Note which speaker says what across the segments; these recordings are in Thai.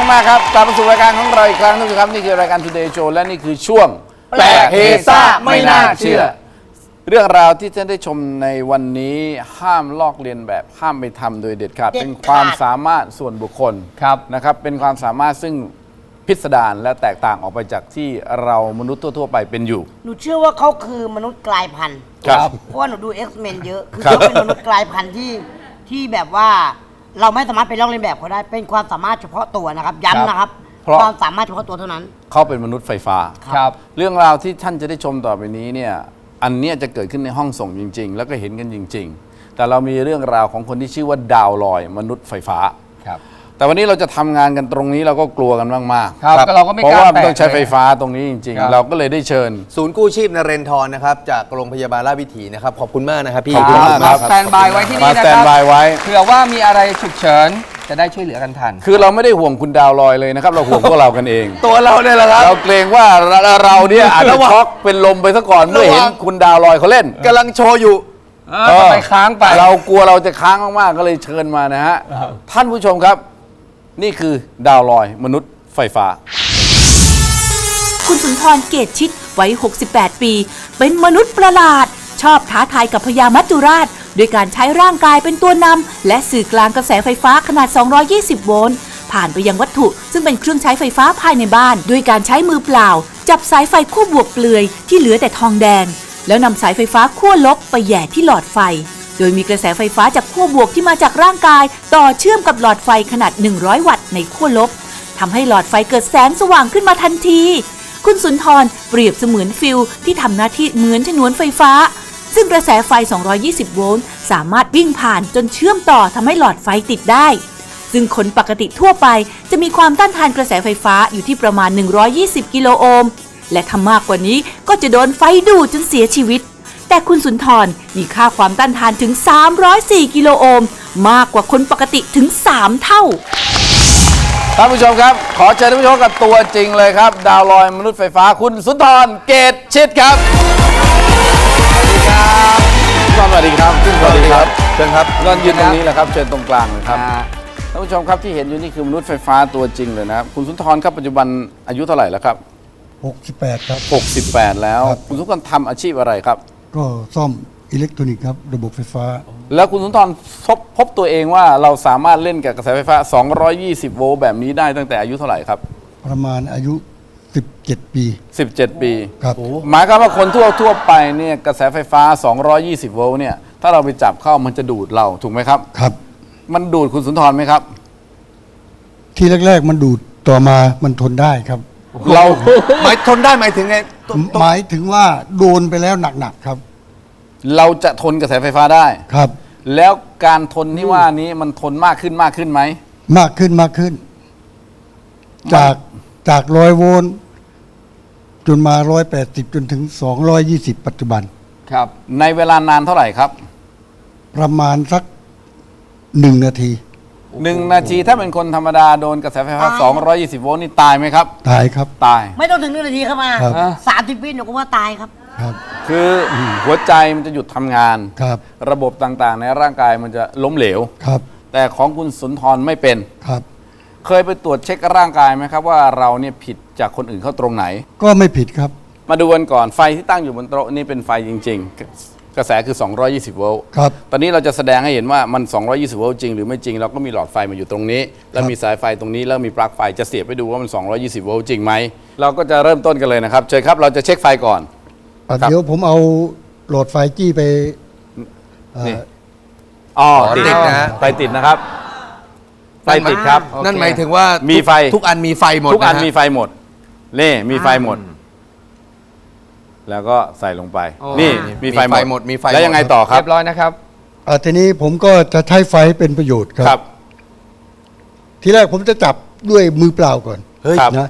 Speaker 1: มากครับกลับมาสู่รายการของเราอีกครั้งนึงครับนี่คือรายการ Today Show และนี่คือช่วงแปลกเฮซ่าไม่น่าเชื่อเรื่องราวที่ท่านได้ชมในวันนี้ห้ามลอกเลียนแบบห้ามไปทำโดยเด็ดขาดเป็นความสามารถส่วนบุคคลนะครับเป็นความสามารถซึ่งพิสดารและแตกต่างออกไปจากที่เรามนุษย์ทั่วๆไปเป็นอยู่
Speaker 2: หนูเชื่อว่าเขาคือมนุษย์กลายพันธุ์เพราะว่าหนูดู X-Men เยอะคือเขาเป็นมนุษย์กลายพันธุ์ที่แบบว่าเราไม่สามารถไปลอกเลียนแบบเขาได้เป็นความสามารถเฉพาะตัวนะครับย้ำนะครับความสามารถเฉพาะตัวเท่านั้น
Speaker 1: เขาเป็นมนุษย์ไฟฟ้าเรื่องราวที่ท่านจะได้ชมต่อไปนี้เนี่ยอันนี้จะเกิดขึ้นในห้องส่งจริงๆแล้วก็เห็นกันจริงๆแต่เรามีเรื่องราวของคนที่ชื่อว่าดาวลอยมนุษย์ไฟฟ้าแต่วันนี้เราจะทำงานกันตรงนี้เราก็กลัวกันมาก
Speaker 3: ๆเราก็ไม่กล้าเพ
Speaker 1: ราะว่ามันต้องใช้ไฟฟ้าตรงนี้จริงๆเราก็เลยได้เชิญ
Speaker 4: ศูนย์กู้ชีพนเรนทรนะครับจากโรงพยาบาลราชวิถีนะครับขอบคุณมากนะครับพี่
Speaker 1: ขอบคุณมากครับ
Speaker 3: สแตนบายไว้ที่นี่นะครับ
Speaker 1: สแตนบายไว้
Speaker 3: เผื่อว่ามีอะไรฉุกเฉินจะได้ช่วยเหลือกันทัน
Speaker 1: คือเราไม่ได้ห่วงคุณดาวลอยเลยนะครับเราห่วงพวกเรากันเอง
Speaker 4: ตัวเราเนี่ยแหละครับ
Speaker 1: เราเกรงว่าเราเนี่ยอาจจะช็อกเป็นลมไปซะก่อนเมื่อเห็นคุณดาวลอยเขาเล่น
Speaker 4: กำลังโชว์อยู่
Speaker 3: ไปค้างไป
Speaker 1: เรากลัวเราจะค้างมากๆก็เลยเชิญมานะฮะท่านผู้ชมครับนี่คือดาวลอยมนุษย์ไฟฟ้า
Speaker 5: คุณสุนทรเกตชิตวัย68 ปีเป็นมนุษย์ประหลาดชอบท้าทายกับพญามัจจุราชโดยการใช้ร่างกายเป็นตัวนำและสื่อกลางกระแสไฟฟ้าขนาด220 โวลต์ผ่านไปยังวัตถุซึ่งเป็นเครื่องใช้ไฟฟ้าภายในบ้านด้วยการใช้มือเปล่าจับสายไฟขั้วบวกเปลือยที่เหลือแต่ทองแดงแล้วนำสายไฟฟ้าขั้วลบไปแหย่ที่หลอดไฟโดยมีกระแสไฟฟ้าจากขั้วบวกที่มาจากร่างกายต่อเชื่อมกับหลอดไฟขนาด100 วัตต์ในขั้วลบทำให้หลอดไฟเกิดแสงสว่างขึ้นมาทันทีคุณสุนทรเปรียบเสมือนฟิลที่ทำหน้าที่เหมือนฉนวนไฟฟ้าซึ่งกระแสไฟ220 โวลต์สามารถวิ่งผ่านจนเชื่อมต่อทำให้หลอดไฟติดได้ซึ่งคนปกติทั่วไปจะมีความต้านทานกระแสไฟฟ้าอยู่ที่ประมาณ120 กิโลโอห์มและถ้ามากกว่านี้ก็จะโดนไฟดูดจนเสียชีวิตแต่คุณสุนทรมีค่าความต้านทานถึง304 กิโลโอห์มมากกว่าคนปกติถึง3 เท่า
Speaker 1: ท่านผู้ชมครับขอเชิญท่านผู้ชมกับตัวจริงเลยครับดาวลอยมนุษย์ไฟฟ้าคุณสุนทรเกตชิตครับสวัสดีครับสวัสดีครับเชิญครับนอนยืนตรงนี้แหละครับเชิญตรงกลางเลยครับท่านผู้ชมครับที่เห็นอยู่นี่คือมนุษย์ไฟฟ้าตัวจริงเลยนะครับคุณสุนทรครับปัจจุบันอายุเท่าไหร่แล้วครับ
Speaker 6: 68ครับ
Speaker 1: 68แล้วคุณสุนทรทำอาชีพอะไรครับ
Speaker 6: ก็ซ่อมอิเล็กทรอนิกส์ครับระบบไฟฟ้า
Speaker 1: แล้วคุณสุนทรพบตัวเองว่าเราสามารถเล่นกับกระแสไฟฟ้า220 โวลต์แบบนี้ได้ตั้งแต่อายุเท่าไหร่ครับ
Speaker 6: ประมาณอายุ17 ปี
Speaker 1: 17 ปี
Speaker 6: ครับ
Speaker 1: หมายความว่าคนทั่วไปเนี่ยกระแสไฟฟ้า220 โวลต์เนี่ยถ้าเราไปจับเข้ามันจะดูดเราถูกไหมครับ
Speaker 6: ครับ
Speaker 1: มันดูดคุณสุนทรไหมครับ
Speaker 6: ที่แรกๆมันดูดต่อมามันทนได้ครับ
Speaker 1: เรา
Speaker 4: หมายทนได้หมายถึงไง
Speaker 6: หมายถึงว่าโดนไปแล้วหนักๆครับ
Speaker 1: เราจะทนกระแสไฟฟ้าได้
Speaker 6: ครับ
Speaker 1: แล้วการทนที่ว่านี้มันทนมากขึ้นไหม
Speaker 6: มากขึ้นจาก100 โวลต์จนมา180จนถึง220ปัจจุบัน
Speaker 1: ครับในเวลานานเท่าไหร่ครับ
Speaker 6: ประมาณสัก1 นาที
Speaker 1: 1 นาทีถ้าเป็นคนธรรมดาโดนกระแสไฟฟ้า220 โวลต์นี่ตายไหมครับ
Speaker 6: ตายครับ
Speaker 1: ตาย
Speaker 2: ไม่ต้องถึง1 นาทีครับมา30 วิหนูก็ว่าตายครับ
Speaker 1: คือหัวใจมันจะหยุดทำงานระบบต่างๆในร่างกายมันจะล้มเหลวแต่ของคุณสุนทรไม่เป็นเคยไปตรวจเช็คร่างกายไหมครับว่าเราเนี่ยผิดจากคนอื่นเขาตรงไหน
Speaker 6: ก็ไม่ผิดครับ
Speaker 1: มาดูกันก่อนไฟที่ตั้งอยู่บนโต๊ะนี่เป็นไฟจริงๆกระแสคือ220 โวลต์ตอนนี้เราจะแสดงให้เห็นว่ามัน220 โวลต์จริงหรือไม่จริงเราก็มีหลอดไฟมาอยู่ตรงนี้แล้วมีสายไฟตรงนี้แล้วมีปลั๊กไฟจะเสียบไปดูว่ามัน220 โวลต์จริงไหมเราก็จะเริ่มต้นกันเลยนะครับเชิญครับเราจะเช็คไฟก่อน
Speaker 6: เดี๋ยวผมเอาหลอดไฟจี้ไป
Speaker 1: นี่ติดนะไฟติดนะครับไฟติดครับ
Speaker 4: นั่นหมายถึงว่า
Speaker 1: มีไฟ
Speaker 4: ทุกอันมีไฟหมด
Speaker 1: ทุกอันมีไฟหมดนี่มีไฟหมดแล้วก็ใส่ลงไปนี่มีไฟหมดแล้วยังไงต่อครับ
Speaker 3: เรียบร้อยนะครับ
Speaker 6: ทีนี้ผมก็จะใช้ไฟเป็นประโยชน์ครับทีแรกผมจะจับด้วยมือเปล่าก่อนนะ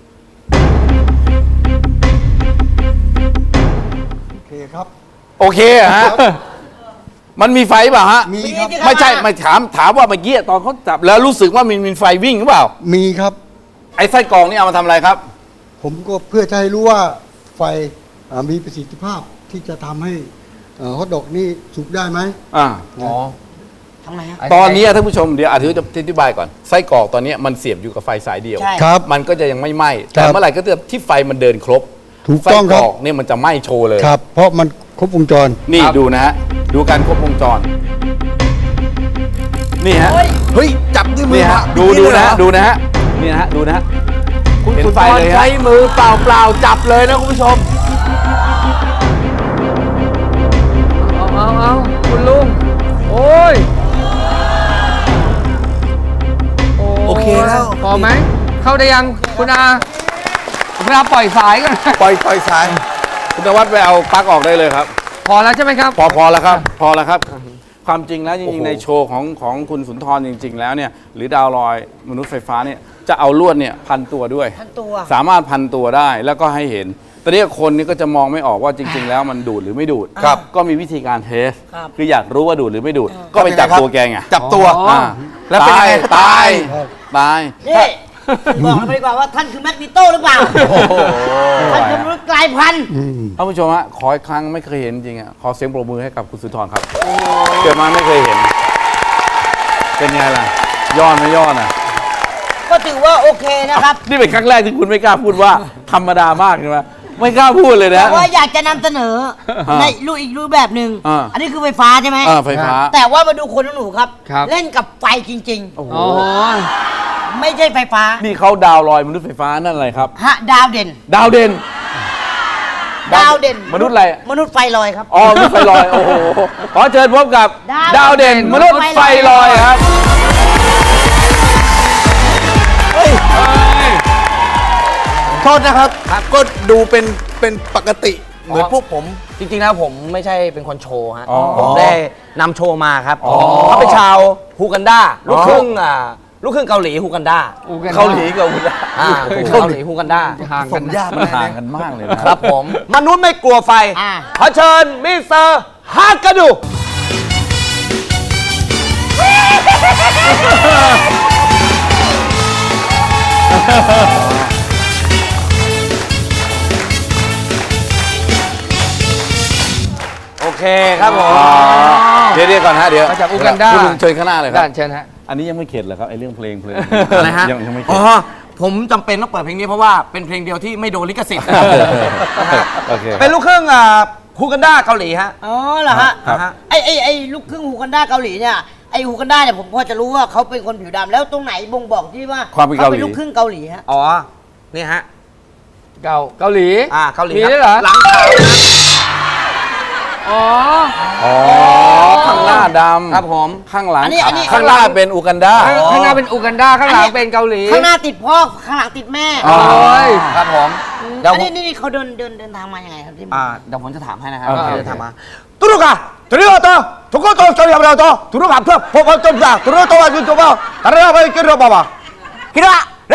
Speaker 6: ครับ
Speaker 1: โอเคฮะมันมีไฟเปล่าฮะ
Speaker 6: มีครับ
Speaker 1: ไม่ใช่ไม่ถามว่าเมื่อกี้ตอนเขาจับแล้วรู้สึกว่ามีไฟวิ่งหรือเปล่า
Speaker 6: มีครับ
Speaker 1: ไอ้ไส้กรองนี่เอามาทำอะไรครับ
Speaker 6: ผมก็เพื่อจะให้รู้ว่าไฟมีประสิทธิภาพที่จะทำให้ฮอทดอกนี่สุกได้ไหม
Speaker 2: ทำไมฮะ
Speaker 1: ตอนนี้ท่านผู้ชมเดี๋ยวอาจจะอธิบายก่อนไส้กรอกตอนนี้มันเสียบอยู่กับไฟสายเดียว
Speaker 2: ใช่
Speaker 6: ครับ
Speaker 1: มันก็จะยังไม่ไหม้แต่
Speaker 6: ครับ
Speaker 1: เมื่อไหร่ก็ตามที่ไฟมันเดินครบ
Speaker 6: ถูกต้องครับ
Speaker 1: ไส้กรอกเนี่ยมันจะไหม้โชว์เลย
Speaker 6: ครับ เพราะมันครบวงจร
Speaker 1: นี่ดูนะฮะดูการครบวงจรนี่ฮะ
Speaker 4: เฮ้ย จับด้วยมื
Speaker 1: นี่
Speaker 4: อ
Speaker 1: ฮะ
Speaker 4: มา
Speaker 1: ดู
Speaker 4: อย่าง
Speaker 1: นะ
Speaker 4: เลยเหร
Speaker 1: ฮะ
Speaker 4: อ
Speaker 1: ดูนะฮะนี่นะฮะดูนะฮะ
Speaker 3: คุณ
Speaker 1: เห็น
Speaker 3: สุน
Speaker 1: ไฟ
Speaker 3: ทร
Speaker 1: เลยฮะ
Speaker 3: ใช้มือเปล่าๆจับเลยนะคุณผู้ชม เอาคุณลุง โอ้ย
Speaker 4: โอเคแล้ว
Speaker 3: พอไหม เข้าได้ยังคุณอาคุณอาปล่อยสายกัน
Speaker 4: ปล่อยสาย
Speaker 1: คุณนวัดไปเอาปลั๊กออกได้เลยครับ
Speaker 3: พอแล้วใช่ไหมครับ
Speaker 1: พอแล้วครับ พอแล้วครับ ความจริงแล้วจริงๆในโชว์ของคุณสุนทรจริง ๆ แล้วเนี่ยหรือดาวลอยมนุษย์ไฟฟ้าเนี่ยจะเอาลวดเนี่ยพันตัวด้วย
Speaker 2: พันตัว
Speaker 1: สามารถพันตัวได้แล้วก็ให้เห็นตอนนี้คนนี่ก็จะมองไม่ออกว่าจริง ๆ แล้วมันดูดหรือไม่ดูด
Speaker 4: ครับ
Speaker 1: ก็มีวิธีการเทส
Speaker 2: ครับ
Speaker 1: คืออยากรู้ว่าดูดหรือไม่ดูด ก็ไปจับตัวแกไง
Speaker 4: จับตัว
Speaker 3: อ๋อ
Speaker 4: แล้วเป็นยังไง
Speaker 1: ตาย
Speaker 6: ครับ
Speaker 1: ตาย
Speaker 2: นี่บอกกันไปดีกว่าว่าท่านคือแมกนิโตหรือเปล่าท่านคือมนุษย์กลายพันธุ์
Speaker 1: ท่านผู้ชมฮะขออีกครั้งไม่เคยเห็นจริงอ่ะขอเสียงปรบมือให้กับคุณสุนทรครับเกิดมาไม่เคยเห็น เป็นไงล่ะย้อนไม่ย้อนอ่ะ
Speaker 2: ก็ถือว่าโอเคนะครับ
Speaker 1: นี่เป็นครั้งแรกที่คุณไม่กล้าพูดว่าธรรมดามากใช่ไหมไม่กล้าพูดเลยนะ
Speaker 2: แต่ว่าอยากจะนำเสนอในอีกรูปแบบหนึ่ง
Speaker 1: อ่า
Speaker 2: อันนี้คือไฟฟ้าใช่ไหม
Speaker 1: ไฟฟ้า
Speaker 2: แต่ว่ามาดูคนหนูครับ
Speaker 3: ครับ
Speaker 2: เล่นกับไฟจริง
Speaker 1: โอ้โห
Speaker 3: โอ้โห
Speaker 2: ๆ ไม่ใช่ไฟฟ้า
Speaker 1: นี่เขาดาวลอยมนุษย์ไฟฟ้านั่นอะไรครับ
Speaker 2: ฮะดาวเด่น
Speaker 1: ดาวเด่น
Speaker 2: ดาวเด่น
Speaker 1: มนุษย์อะไร
Speaker 2: มนุษย์ไฟลอยครับ
Speaker 1: อ๋อมนุษย์ไฟลอยโอ้โหขอเชิญพบกับ
Speaker 2: ดาว
Speaker 1: เด่นมนุษย์ไฟลอยครับ
Speaker 4: โทษนะครับ ก็ดูเป็นปกติ เหมือนพวกผม
Speaker 7: จริงๆแล้วผมไม่ใช่เป็นคนโชว์ฮะ
Speaker 1: อ๋อ
Speaker 7: ผมได้นำโชว์มาครับ
Speaker 1: อ๋อ
Speaker 7: เขาเป็นชาวฮูกันดาลูกครึ่งลูกครึ่งเกาหลีฮูกันดา
Speaker 1: เกาหลีกับอุดร
Speaker 7: เกาหลีฮูกันดา
Speaker 3: ห่างกัน
Speaker 4: ยาก
Speaker 1: มันห่างกันมากเลยนะครับ
Speaker 7: ผม มนุษย์ไม่กลัวไฟ
Speaker 2: อ่า
Speaker 7: ขอเชิญมิสเตอร์ฮากาดู โอเคครับผม
Speaker 1: เดี๋ยวก่อนฮะเดี๋ยว
Speaker 3: มาจากอูกันดา
Speaker 1: คุณลุงเชิญข้างหน้าเลยครั
Speaker 3: ด้า
Speaker 1: บ
Speaker 3: นเชิญฮะ
Speaker 1: อันนี้ยังไม่เข็ดเหรอครับไอ้เรื่องเพลง
Speaker 7: อะไรฮะ
Speaker 1: ยังไม่เข็
Speaker 7: อ๋
Speaker 1: ด
Speaker 7: อผมจำเป็นต้องเปิดเพลงนี้เพราะว่าเป็นเพลงเดียวที่ไม่โดนลิขสิทธิ์
Speaker 1: โอเค
Speaker 7: เป็นลูกครึ่งฮูกันดาเกาหลีฮะ
Speaker 2: อ๋อเหรอฮะ
Speaker 1: ครับ
Speaker 2: ไอ้ลูกครึ่งฮูกันดาเกาหลีเนี่ยไอ้ฮูกันดาเนี่ยผมพอจะรู้ว่าเขาเป็นคนผิวดำแล้วตรงไหนบ่งบอกที่ว่า
Speaker 1: ความเป็นเกาหลี
Speaker 2: ลูกครึ่งเกาหลีฮะ
Speaker 7: อ๋อ นี่ฮะ
Speaker 3: เกาหลี
Speaker 7: เกาหลี
Speaker 3: มี
Speaker 7: ครับ
Speaker 3: ด้วยเหรอ
Speaker 7: หลังขาว
Speaker 3: อ๋อ
Speaker 1: อ๋อข้างหน้าดำ
Speaker 7: ครับผม
Speaker 1: ข้างหลัง
Speaker 2: อันนี้
Speaker 1: ข้างหน้าเป็นอูกันดา
Speaker 3: ข้างหน้าเป็นอูกันดาข้างหลังเป็นเกาหลี
Speaker 2: ข้างหน้าติดพ่อข้างหลังติดแม่
Speaker 1: อ๋อ
Speaker 3: โอ้ย
Speaker 7: ครับผมเดี๋ยว
Speaker 2: อัน
Speaker 7: ผ
Speaker 2: นี้
Speaker 7: ม
Speaker 2: นี่เขาเดินทางมายังไงครับที่
Speaker 7: เดี๋ยวผมจะถามให้นะครับ
Speaker 1: โอเค
Speaker 7: เดี๋ยวถามมาตุรุกะตุรุกะโตทุกคนโตสตอรี่อะไรโตตุรุกะเพื่อพบกันจนได้ตุรุกะโตว่าจุดจบว่าอะไรไปกินหรือเปล่าคิดว่าได้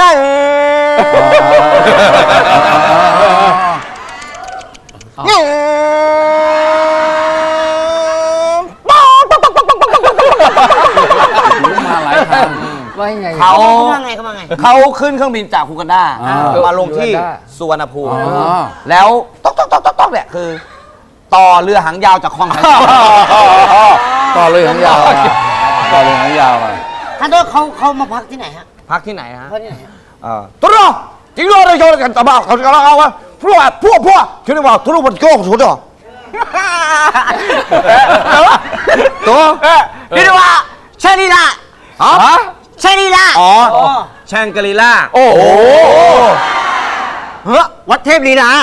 Speaker 1: มาหลายทาง
Speaker 3: ว่ายังไง
Speaker 7: เขา
Speaker 2: มาไงเขามาไง
Speaker 7: เขาขึ้นเครื่องบินจากฮูกันดา
Speaker 1: อ่า
Speaker 7: มาลงที่
Speaker 3: ฮูกันดา
Speaker 7: สุวรรณภูมิ
Speaker 1: อ๋อ
Speaker 7: แล้วต๊อกเนี่ยคือ ต่อเรือหางยาวจากคลองแสนแสบ
Speaker 1: ต่อเลยหางยาวมาต่อเลยหางยาวมา
Speaker 2: ท่านโทษเขามาพักที่ไหนฮะ
Speaker 7: พักที่ไหนฮะ
Speaker 2: พักที่ไหนฮะ
Speaker 7: ตุรุจริงๆเลยโยนกันตบ้าเขาจะเล่าว่าพวกคิดว่าตุรุมันโกงสุดอ่ะตัวคิดว่าเชนีล่าอ๋อเชนีล่าอ๋อแชงกรีล่า
Speaker 1: โอ้โห
Speaker 7: เฮ้วัดเทพลีลา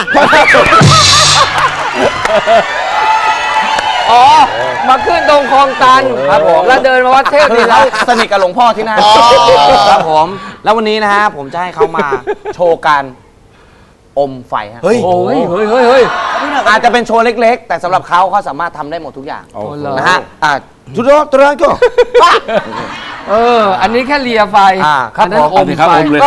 Speaker 3: อ๋อ มาขึ้นตรงคลองตัน
Speaker 7: ครับผม
Speaker 3: แล้วเดินมาวัดเทพ
Speaker 7: คื
Speaker 3: นี่
Speaker 7: อ
Speaker 3: แล้
Speaker 7: เขา
Speaker 3: ว
Speaker 7: สนิทกับหลวงพ่อที่นั่นครับผม แล้ววันนี้นะฮะผมจะให้เขามาโชว์การอมไฟฮะ
Speaker 4: เฮ้ย
Speaker 3: โอ้ยเฮ้ย
Speaker 7: อาจจะเป็นโชว์เล็กๆ แต่สำหรับเขาสามารถทำได้หมดทุกอย่าง
Speaker 1: โอ้โห
Speaker 7: นะฮะทุกตัวก็
Speaker 3: อันนี้แค่เลียไฟ
Speaker 7: ครับ
Speaker 3: อันนั้น
Speaker 7: ผม
Speaker 3: อม
Speaker 1: ครับ
Speaker 3: ไฟ
Speaker 1: อมเลย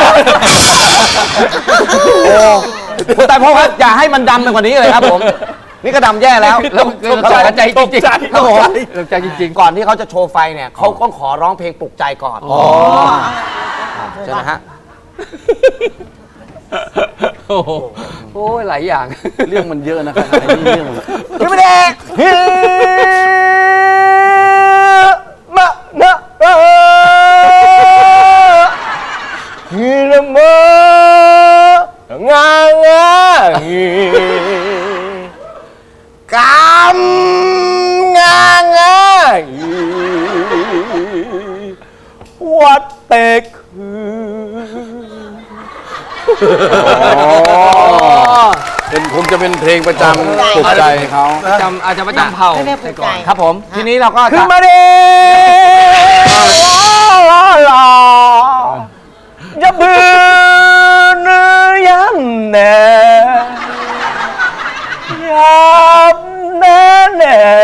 Speaker 7: โอ้คุณตายพ่อครับอย่าให้มันดำไปกว่านี้เลยครับผม นี่ก็ดำแย่แล้ว
Speaker 3: แล้วตกใจจริงๆ
Speaker 7: ครับผม
Speaker 3: ตกใจจริง
Speaker 7: ก่อนที่เขาจะโชว์ไฟเนี่ยเขาต้องขอร้องเพลงปลุกใจก่อนใช่ไหมฮะ
Speaker 3: ๆ โอ้โหโอ้ยหลายอย่าง
Speaker 1: เรื่องมันเยอะนะครับไอ้นี่เรื่องมัน
Speaker 7: พี่ไม่ได้งางาวัดเตกคือ
Speaker 1: คงจะเป็นเพลงประจำปลุกใจเขา
Speaker 3: อาจจะประจำเผ่า
Speaker 2: ให้แม่ปลุกใจ
Speaker 3: ครับผม ทีนี้เราก็
Speaker 7: ขึ้นมาดิอย่าบืนย้ำแน่ย้ำแน่แน่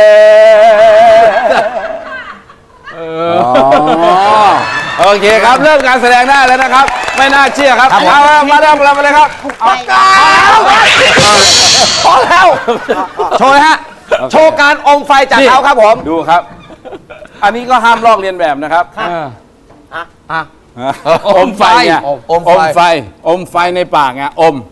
Speaker 1: โอเคครับ เริ่มการแสดงได้แล้วนะครับ ไม่น่าเชื่อครับเอามาเริ่มเราไปเลยครับ
Speaker 7: พอแล้ว โชว์นะฮะ โชว์การอมไฟจากเขาครับผม
Speaker 1: ดูครับ อันนี้ก็ห้ามลอกเลียนแบบนะครับอมไฟเนี่ย
Speaker 7: อมไฟ
Speaker 1: อมไฟในปากไงอม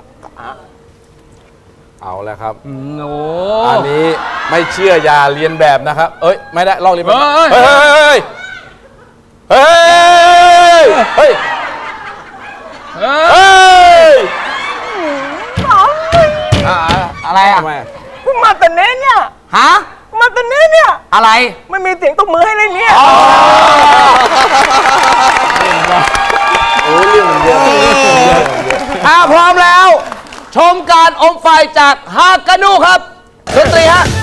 Speaker 1: เอาแล้วครับ
Speaker 3: โอ้
Speaker 1: อันนี้ไม่เชื่ออย่าเรียนแบบนะครับ เอ้ยไม่ได้ลอกเรียนแบบเฮ้ยเฮ้ยเฮ้ยเฮ้ย
Speaker 3: อะไรอ่ะ
Speaker 1: ทำไม
Speaker 7: มาแต่เน้นเนี่ย
Speaker 3: ฮะ
Speaker 7: มาแต่เน้นเนี่ย
Speaker 3: อะไร
Speaker 7: ไม่มีเสียงตบมือให้เลยเนี่ย
Speaker 1: โอ้เรื่องมันเยอะ
Speaker 3: พร้อมแล้ว ชมการอมไฟจากฮากานูครับดนตรีฮะ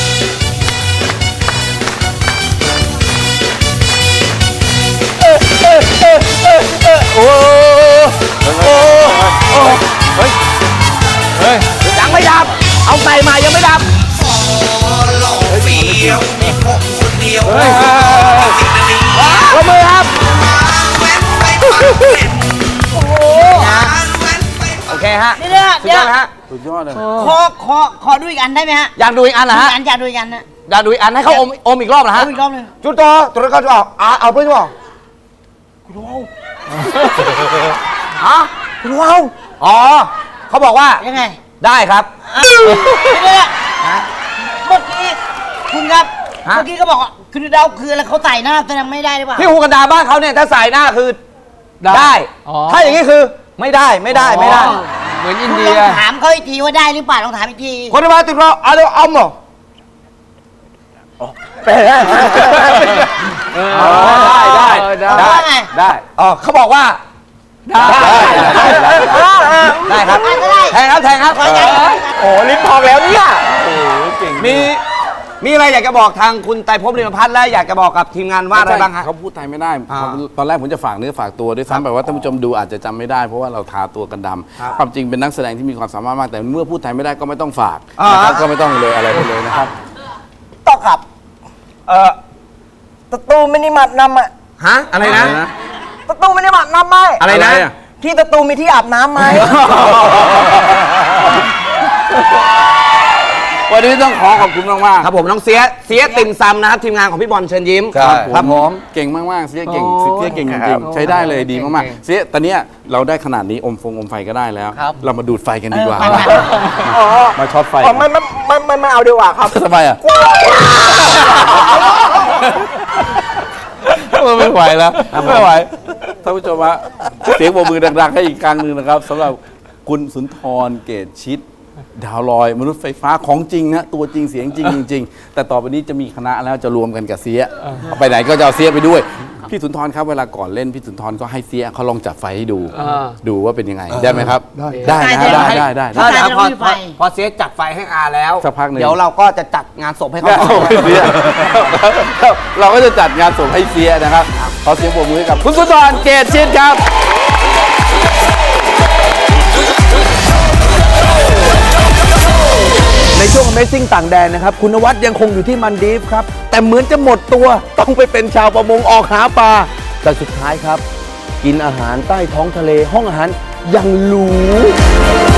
Speaker 7: ยังไม่ดับ เอาใส่มายังไม่ดับ ประมือครับ โอเคฮะ
Speaker 2: เดี๋ยว
Speaker 7: สุดยอดนะฮะ
Speaker 1: สุดยอดเลย
Speaker 2: ขอดูอีกอันได้ไหมฮะ
Speaker 3: อยากดูอีกอันเหรอฮะ
Speaker 2: อยากดูอีกอันนะ
Speaker 3: อยากดูอีกอันให้เขาอมอีกรอบเหรอ
Speaker 2: เอา
Speaker 3: ฮะ
Speaker 2: อีกรอบหนึง
Speaker 7: จุดต่อตัวนี้ก็จะเอาเพื่อนจะบอกฮะคุณว้าวอ๋อ เขาบอกว่า
Speaker 2: ยังไง
Speaker 3: ได้ครับ
Speaker 2: เดี๋ยวเมื่อกี้คุณครับ
Speaker 3: ฮะ
Speaker 2: เมื่อกี้ก็บอกว่าคือเราคืออะไรเขาใส่หน้าแสดงไม่ได้หรือเปล่า
Speaker 3: ที่ฮูกันดาบ้านเขาเนี่ยถ้าใส่หน้าคือได้ ถ้าอย่างนี้คือไม่ได้ไม่ได้ไม่ได้ เหมือนอิน
Speaker 2: คุณ
Speaker 3: เดี
Speaker 2: ลอย งถามเขาอีกทีว่าได้หรือเปล่าลองถามอีกที
Speaker 7: คนที่มาติดเราเอาเดี๋ยวเอาหมดได้
Speaker 3: ได้อ๋อเขาบอกว่าได้ครับแทงครับแทงครับ
Speaker 7: โอ้ลิ้นพองแล้วเนี่ย
Speaker 3: มีอะไรอยากจะบอกทางคุณไตรภพ ลิมพัฒน์และอยากจะบอกกับทีมงานว่าอะไรบ้างฮะ
Speaker 1: เขาพูดไทยไม่ได้ตอนแรกผมจะฝากเนื้อฝากตัวด้วยซ้ำแบบว่าท่านผู้ชมดูอาจจะจำไม่ได้เพราะว่าเราทาตัวกันดำความจริงเป็นนักแสดงที่มีความสามารถมากแต่เมื่อพูดไทยไม่ได้ก็ไม่ต้องฝากนะครับก็ไม่ต้องเลยอะไรไปเลยนะครับ
Speaker 7: ต่อครับตะตูมินิมัดนำอะ
Speaker 3: ฮะอะไรนะ
Speaker 7: ตะตูมินิมัดนำไหม
Speaker 3: อะไรนะ
Speaker 7: ที่ตะตูมีที่อาบน้ำไหม
Speaker 1: วันนี้ต้องขอคุณมากๆ
Speaker 3: ครับผมน้องเสียติ่มซำนะครับทีมงานของพี่บอลเชิญยิ้ม
Speaker 1: ครับผมเก่งมากๆเสียเก่งเสียเก่งจริงๆใช้ได้เลยดีมากๆเสียตอนเนี้ยเราได้ขนาดนี้อมไฟก็ได้แล้ว เรามาดูดไฟกันดีกว่ามาช็อตไฟ
Speaker 7: ไม่เอาดีกว่าครับ
Speaker 1: ทำไมอ่ะไม่ไหวแล้วไม่ไหวท่านผู้ชมฮะเสียงปรบมือดังๆให้อีกครั้งหนึ่งนะครับสำหรับคุณสุนทรเกตชิตดาวลอยมนุษย์ไฟฟ้าของจริงนะตัวจริงเสียงจริงจริงๆแต่ต่อไปนี้จะมีคณะแล้วจะรวมกันกับเสียไปไหนก็จะเอาเสียไปด้วยพี่สุนทรครับเวลาก่อนเล่นพี่สุนทรก็ให้เสียเขาลองจับไฟให้ดูว่าเป็นยังไงได้ไหมครับได้นะได้
Speaker 3: ถ้าเดี๋ยวพอเสียจัดไฟให้อาแล้ว
Speaker 1: สักพักหนึ่ง
Speaker 3: เดี๋ยวเราก็จะจัดงานศพให้เขา
Speaker 1: เสียเราก็จะจัดงานศพให้เสียนะครับขอเสียงปรบมือให้กับคุณสุนทรเกตชิตครับ
Speaker 7: ในช่วง Amazing ต่างแดนนะครับ คุณนวัดยังคงอยู่ที่มันดีฟครับ แต่เหมือนจะหมดตัวต้องไปเป็นชาวประมงออกหาปลาแต่สุดท้ายครับ กินอาหารใต้ท้องทะเลห้องอาหารอย่างหรู